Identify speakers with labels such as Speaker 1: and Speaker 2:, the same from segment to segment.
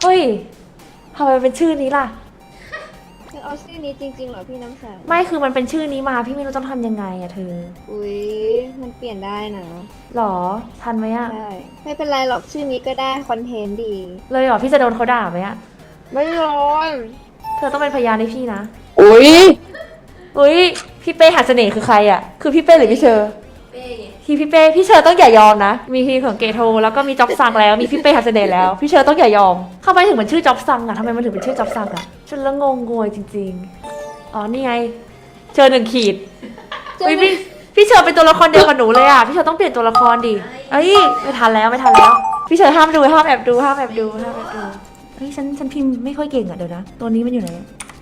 Speaker 1: ฮ้ยทำไมเป็นชื่อนี้ล่ะ
Speaker 2: เธอเอาชื่อนี้จริงๆเหรอพี่น้ำใส
Speaker 1: ไม่คือมันเป็นชื่อนี้มาพี่ไม่รู้ต้องทำยังไงอะเธอ
Speaker 2: อุ๊ยมันเปลี่ยนได้นะ
Speaker 1: หรอทันไหมอะ
Speaker 2: ใช่ไม่เป็นไรหรอกชื่อนี้ก็ได้คอนเทนต์ดี
Speaker 1: เลยเหรอพี่จะโดนเขาด่าไหมอะ
Speaker 2: ไม่ร้อน
Speaker 1: เธอต้องเป็นพยานให้พี่นะ
Speaker 3: อุ้ย
Speaker 1: อุ้ยพี่เป้หัดเสน่ห์คือใครอะคือพี่เป้หรือพี่เชอร์พี่เป้พี่เชอร์ต้องอย่ายอมนะมีทีของเกโทแล้วก็มีจ็อบซังแล้วมีพี่เป้หัดเสน่ห์แล้วพี่เชอร์ต้องอย่ายอมทำไมถึงมันชื่อจ็อบซังอะทำไมมันถึงเป็นชื่อจ็อบซังอะฉันละงงงวยจริงๆอ๋อนี่ไงเชอร์1 ขีดอุ๊ยพี่เชอร์เป็นตัวละครเดียวกับหนูเลยอะพี่เชอร์ต้องเปลี่ยนตัวละครดิเอ้ยไม่ทันแล้วพี่เชอร์ห้ามดูห้ามแอบดูเฮ้ยฉันพิมพ์ไม่ค่อยเก่งอะเดี๋ยวนะตัวนี้มันอยู่ไหน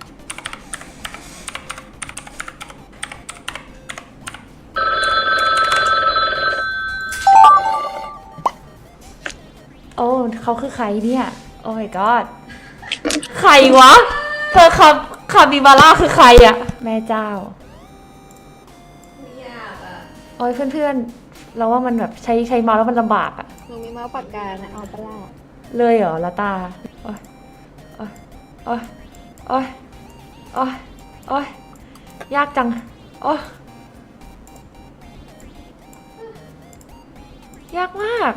Speaker 1: โอ้เขาคือใครเนี่ยโอ้ my god ใครวะเธอคาบิบาร่าคือใครอะแม่เจ้าโอ้ยเพื่อนๆเราว่ามันแบบใช้เมาส์แล้วมันลำบากอะ
Speaker 2: หนูมีเมาส์ปากกานะเอาปะล่ะ
Speaker 1: เลยเหรอละตาโอ้ยโอ้ยโอ้ยโอ้ยโอ้ยโอ้ยยากจังโอ้ยยากมาก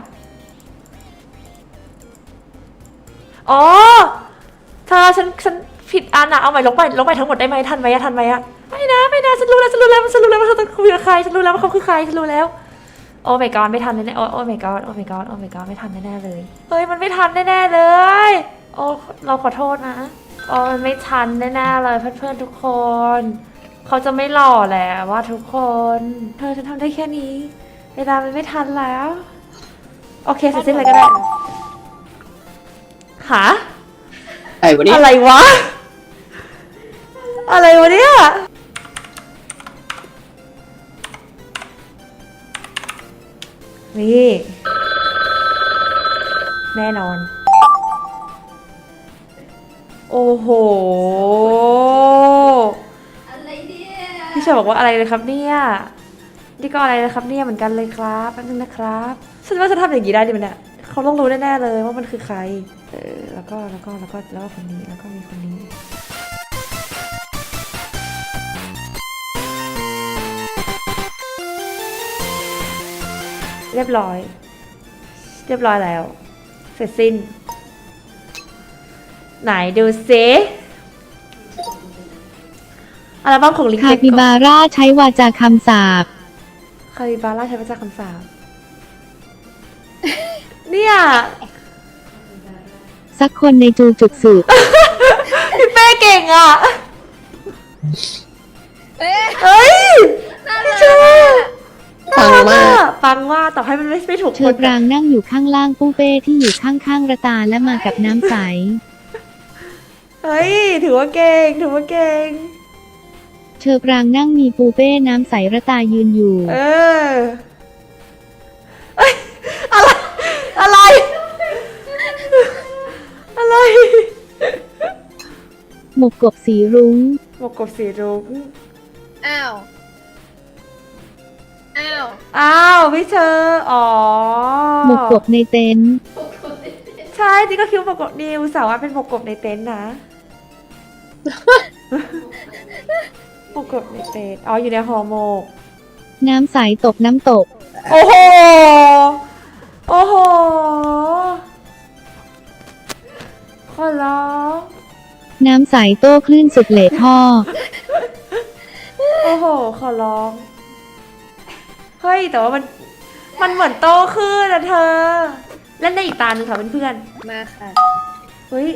Speaker 1: อ๋อเธอฉันผิดอันอะเอาใหม่ลบไปทั้งหมดได้ไหมทันไหมอะไม่นะฉันรู้แล้วว่าเธอต้องคุยกับใครฉันรู้แล้วว่าเขาคือใครฉันรู้แล้วโอ้ my god ไม่ทันแน่โอ้ my god ไม่ทันแน่เลยเฮ้ยมันไม่ทันแน่เลยโอ้เราขอโทษนะโอ้มันไม่ทันแน่เลยเพื่อนๆทุกคนเขาจะไม่หล่อแล้วว่าทุกคนเธอฉันทำได้แค่นี้เวลามันไม่ทันแล้วโอเคเสร็จสิ้นเลยก็ได้หา
Speaker 3: ไอ้วันนี้
Speaker 1: อะไรวะเนี่ยนี่แน่นอนโอ้โห
Speaker 2: อะไรเนี่ย
Speaker 1: พี่เชอบอกว่าอะไรเลยครับเนี่ยนี่ก็อะไรนะครับเนี่ยเหมือนกันเลยครับแป๊บนึงนะครับฉันว่าจะทำอย่างนี้ได้ดิมันเนี่ยเขาต้องรู้แน่ๆเลยว่ามันคือใครแล้วก็คนนี้แล้วก็มีคนนี้เรียบร้อยแล้วเสร็จสิ้นไหนดูซิอัลบั้มของลิง
Speaker 4: คาปิบาร่าใช้วาจาคำสาป
Speaker 1: คาปิบาร่าใช้ภาษาคำสาปเนี่ย
Speaker 4: สักคนในจูจุกสืบ
Speaker 1: พี่เป้เก่งอ่ะเฮ้ยพี่เชอปังมากต่อให้มันไม่ถูก
Speaker 4: เชอปรางนั่งอยู่ข้างล่างปูเป้ที่อยู่ข้างๆระตาและมากับน้ำใส
Speaker 1: เฮ้ยถือว่าเก่ง
Speaker 4: เชอปรางนั่งมีปูเป้น้ำใสระตายืนอยู่
Speaker 1: อะไร
Speaker 4: หมกกบสีรุ้ง
Speaker 2: อ้าว
Speaker 1: พี่เชออ๋อ
Speaker 4: หมกกบในเต็นท์
Speaker 1: ใช่ที่ก็คิดว่าหมกกบนิวสาวว่าเป็นหมกกบในเต็นท์นะหมกกบในเต็นท์อ๋ออยู่ในห่อหมก
Speaker 4: น้ำใสตกน้ำตก
Speaker 1: โอ้โหขอร้อง
Speaker 4: น้ำใสโต้คลื่นสุดเหล่ท่อ
Speaker 1: โอ้โหขอร้องเฮ้ยแต่ว่ามันเหมือนโตขึ้นนะเธอเล่นได้อีกตาหนึ่งค่ะเพื่อน
Speaker 2: มาค่ะ
Speaker 1: เฮ้ย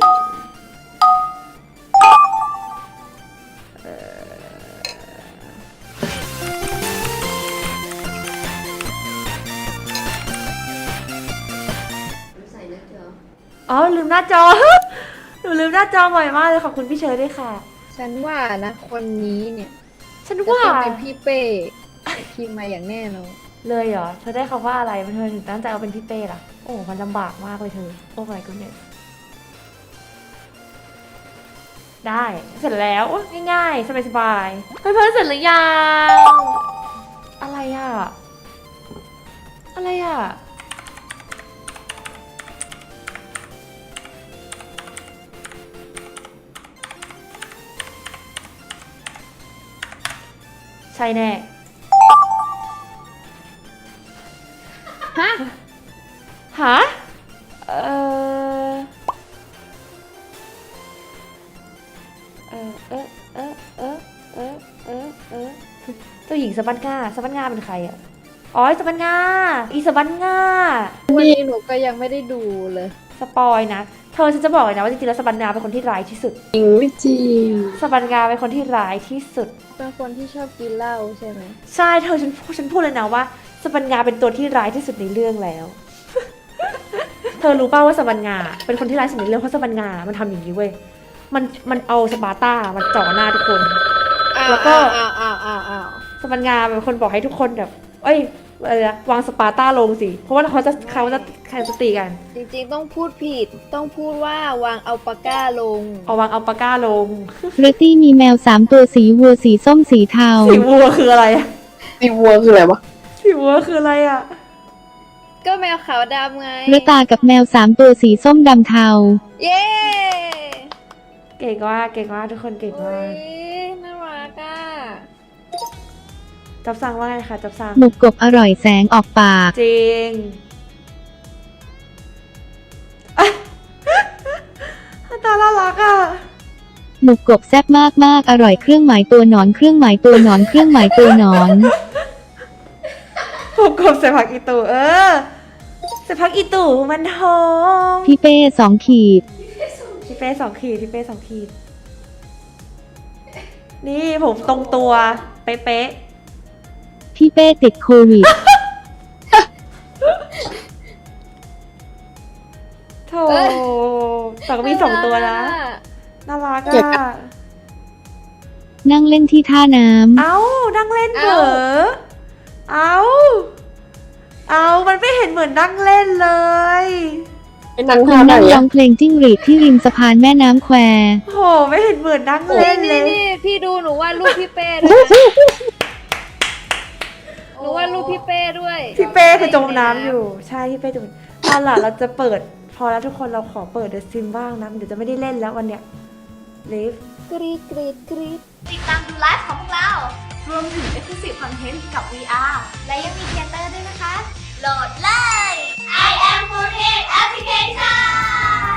Speaker 1: อ๋อลืมหน้าจอ หนูลืมหน้าจอบ่อยมากเลยขอบคุณพี่เชอร์ด้วยค่ะ
Speaker 2: ฉันว่านะคนนี้เนี่ย
Speaker 1: ฉันว่า
Speaker 2: จะเป็นพี่เป้พิมพ์มาอย่างแน่นอน
Speaker 1: เลยเหรอเธอได้คำว่าอะไรเธอถึงตั้งใจเอาเป็นพี่เป้ล่ะโอ้มันลำบากมากเลยเธอโอ้ my goodness ได้เสร็จแล้วง่ายๆสบายๆเพื่อนๆเสร็จหรือยังอะไรอ่ะใช่แน่
Speaker 2: ฮะ
Speaker 1: หาเออเออเออเออเออเออเออเออเจ้าหญิงสะบันง่าสะบันง่าเป็นใครอ่ะอ๋อสะบันง่าอีสะบันง่า
Speaker 2: วันนี้หนูก็ยังไม่ได้ดูเลย
Speaker 1: สปอยนะเธอฉันจะบอกเลยนะว่าจริงๆแล้วสะบันง่าเป็นคนที่ร้ายที่สุด
Speaker 3: จริงไม่จริง
Speaker 1: สะบันง่าเป็นคนที่ร้ายที่สุด
Speaker 2: เป็นคนที่ชอบกินเหล้าใช่ไหม
Speaker 1: ใช่เธอฉันพูดเลยนะว่าสะบันงาเป็นตัวที่ร้ายที่สุดในเรื่องแล้ว เธอรู้ป่าวว่าสะบันงาเป็นคนที่ร้ายที่สุดในเรื่องเพราะสะบันงามันทำอย่างนี้เว้ยมันเอาสปาร์ต้ามาจ่อหน้าทุกคน แล้วก็
Speaker 2: อ้าว
Speaker 1: สะบันงาเป็นคนบอกให้ทุกคนแบบเอ้อะไรนะวางสปาร์ต้าลงสิเพราะว่าเขาจะแข่งสตีกัน
Speaker 2: จริงๆต้องพูดผิด ต้องพูดว่าวางเอาปากก้าลง
Speaker 1: เอาวางเอาปากก้าลง
Speaker 4: เรตตี้มีแมว3ตัวสีวัวสีส้มสีเทา
Speaker 1: สีวัวคืออะไรอะ
Speaker 3: ตีวัวคืออะไรวะ
Speaker 1: สีวัวคืออะไรอะ
Speaker 2: ก็แมวขาวดำไง
Speaker 4: เรตากับแมว3ตัวสีส้มดำเทา
Speaker 2: เย้
Speaker 1: เก่งมากทุกคนเก่ง
Speaker 2: อุ้
Speaker 1: มาก
Speaker 2: ยน่ารักอ่ะ
Speaker 1: จับสั่งว่าไงคะจับสั่ง
Speaker 4: หมุกกบอร่อยแสงออกปาก
Speaker 1: จริง ตาน่ารักอ่ะ
Speaker 4: หมุกกบแซ่บมากๆอร่อยเครื่องหมายตัวหนอนเครื่องหมายตัวหนอนเครื่องหมายตัวหนอน
Speaker 1: ผมกบใส่ผักอีตูใส่ผักอีตูมันหอม
Speaker 4: พี่เป้2 ขีด
Speaker 1: พี่เป้2 ขีดพี่เป้2 ขีด นี่ผมตรงตัวเป๊ะ
Speaker 4: พี่เป้ติดโควิด
Speaker 1: ๆโธ่แต่ก็มี2 ตัวนะ น่ารัก
Speaker 3: เก็บ
Speaker 1: อ่ะ
Speaker 4: นั่งเล่นที่ท่าน้
Speaker 1: เอ้านั่งเล่นเหรอเอ้ามันไม่เห็นเหมือนนั่งเล่นเลย
Speaker 3: ไอ้นั่ง
Speaker 4: ำค
Speaker 3: ท่าน ไหน
Speaker 4: นั่งร้อ
Speaker 3: อะ
Speaker 4: งเพลงจิ้งหรีดที่ริมสะพานแม่น้ำแคว
Speaker 1: โหไม่เห็นเหมือนนั่งเล่นเลย
Speaker 2: นี่พี่ดูหนูวาดรูปพี่เป้ด้วยนะหนูวาดรูปพี่เป้ด้วย
Speaker 1: พี่เป้คือจมน้ำอยู่ ใช่พี่เป้จมเอาล่ะเราจะเปิด พอแล้วทุกคนเราขอเปิดเดอะซิมบ้างนะเดี๋ยวจะไม่ได้เล่นแล้ววันเนี้ยลิฟ
Speaker 2: กรีดกรีดกรีด
Speaker 5: ติดตามดูไลฟ์ของพวกเรา รวมถึง Exclusive Content กับ VR และยังมีเทเตอร์ด้วยนะคะ โหลดเลย I am 48 Application